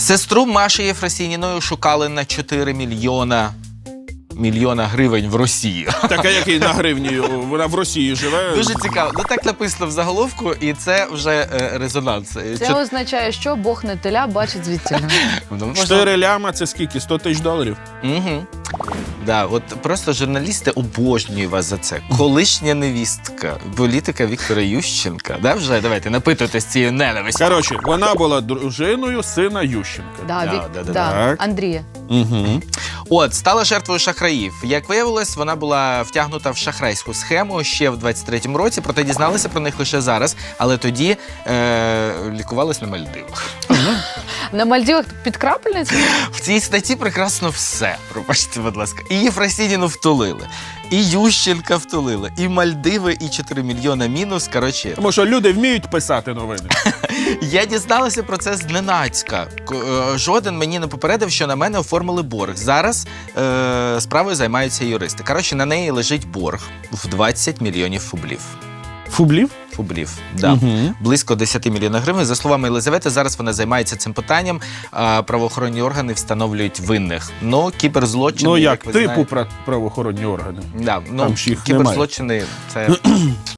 Сестру Маші Єфросініною шукали на 4 мільйона гривень в Росії. Така, який на гривні, вона в Росії живе. Дуже цікаво. Ну так написано в заголовку, і це вже резонанс. Це означає, що Бог не теля бачить звідти. 4 ляма – це скільки? 100 тисяч доларів? Угу. Да, от просто журналісти обожнюють вас за це. Колишня невістка, політика Віктора Ющенка. Да, вже давайте напитуйтесь цією ненавистю. Коротше, вона була дружиною сина Ющенка. Да. Андрія. Угу. От, стала жертвою шахраїв. Як виявилось, вона була втягнута в шахрайську схему ще в 23-му році, проте дізналися про них лише зараз, але тоді лікувалась на Мальдивах. На Мальдівах під крапельницю? В цій статті прекрасно все, пробачте, будь ласка. І Єфросініну втулили, і Ющенка втулили, і Мальдиви, і 4 мільйона мінус, коротше. Тому що люди вміють писати новини. Я дізналася про це зненацька. Жоден мені не попередив, що на мене оформили борг. Зараз справою займаються юристи. Коротше, на неї лежить борг в 20 мільйонів фублів. Фублів? Фублів, да. Угу. Близько 10 мільйонів гривень. За словами Єлизавети, зараз вона займається цим питанням. Правоохоронні органи встановлюють винних. Ну, кіберзлочини, Ну як, ви типу знаєте. правоохоронні органи. Да, ну, Там ж їх кіберзлочини – це